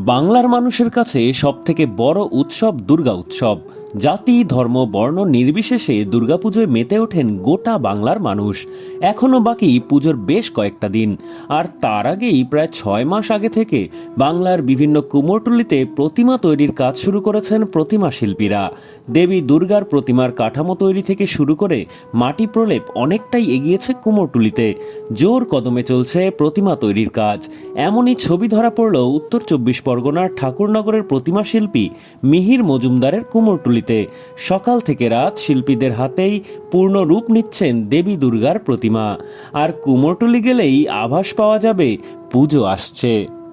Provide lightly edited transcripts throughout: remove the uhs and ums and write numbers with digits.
বাংলার মানুষের কাছে সবথেকে বড় উৎসব দুর্গা উৎসব। জাতি ধর্ম বর্ণ নির্বিশেষে দুর্গাপুজোয় মেতে ওঠেন গোটা বাংলার মানুষ। এখনও বাকি পুজোর বেশ কয়েকটা দিন, আর তার আগেই প্রায় 6 মাস আগে থেকে বাংলার বিভিন্ন কুমোরটুলিতে প্রতিমা তৈরির কাজ শুরু করেছেন প্রতিমা শিল্পীরা। দেবী দুর্গার প্রতিমার কাঠামো তৈরি থেকে শুরু করে মাটি প্রলেপ অনেকটাই এগিয়েছে কুমোরটুলিতে। জোর কদমে চলছে প্রতিমা তৈরির কাজ। এমনই ছবি ধরা পড়ল উত্তর 24 পরগনার ঠাকুরনগরের প্রতিমা শিল্পী মিহির মজুমদারের কুমোরটুলিতে। সকাল থেকে রাত শিল্পীদের হাতেই পূর্ণ রূপ নিচ্ছেন দেবী দুর্গার প্রতিমা। আর কুমোরটুলি গেলেই আভাস পাওয়া যাবে পুজো আসছে।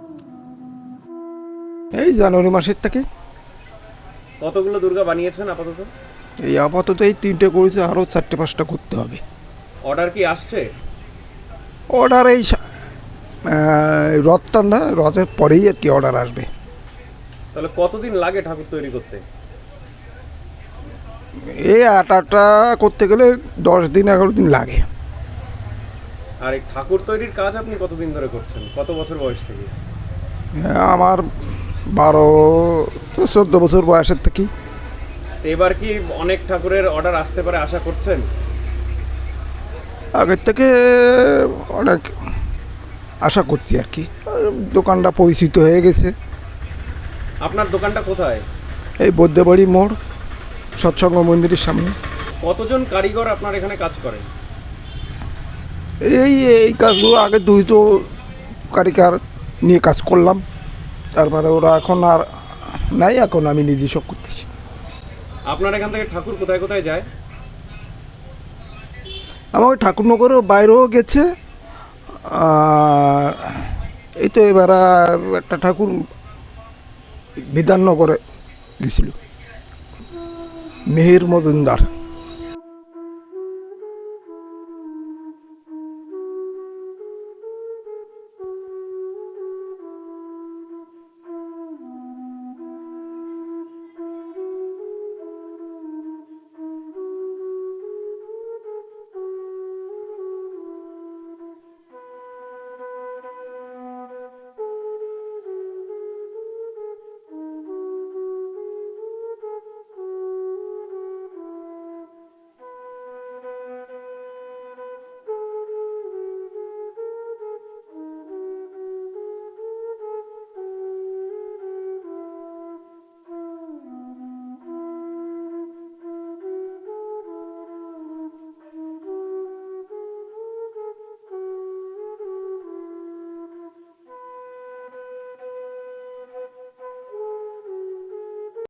এই জানুয়ারি মাসের থেকে। কতগুলো দুর্গা বানিয়েছেন আপাতত? এই আপাতত এই 3টে করেছে, আরও 4টে-5টা করতে হবে। অর্ডার কি আসছে? অর্ডার এই রথটা না, রথের পরেই আর কি অর্ডার আসবে। তাহলে কতদিন লাগে ঠাকুর তৈরি করতে? এই আটাটা করতে গেলে 10 দিন 11 দিন লাগে। আর এই ঠাকুর তৈরির কাজ আপনি কতদিন ধরে করছেন? কত বছর বয়স থেকে? আমার 12-14 বছর বয়সের থেকেই। এবার কি অনেক ঠাকুরের অর্ডার আসতে পারে আশা করছেন? আগের থেকে অনেক আশা করছি আর কি। দোকানটা পরিচিত হয়ে গেছে। আপনার দোকানটা কোথায়? এই বৈদ্যবাড়ি মোড়, সৎসঙ্গ মন্দিরের সামনে। কতজন কারিগর আপনার এখানে কাজ করেন? এই এই কাজগুলো আগে 200 কারিগর নিয়ে কাজ করলাম, তারপরে ওরা এখন আর নাই, এখন আমি নিজে সব করতেছি। আপনার এখান থেকে ঠাকুর কোথায় কোথায় যায়? আমার ঠাকুরনগরেও বাইরেও গেছে। আর এই তো এবার একটা ঠাকুর বিধাননগরে গেছিল, মিহির মজুমদার।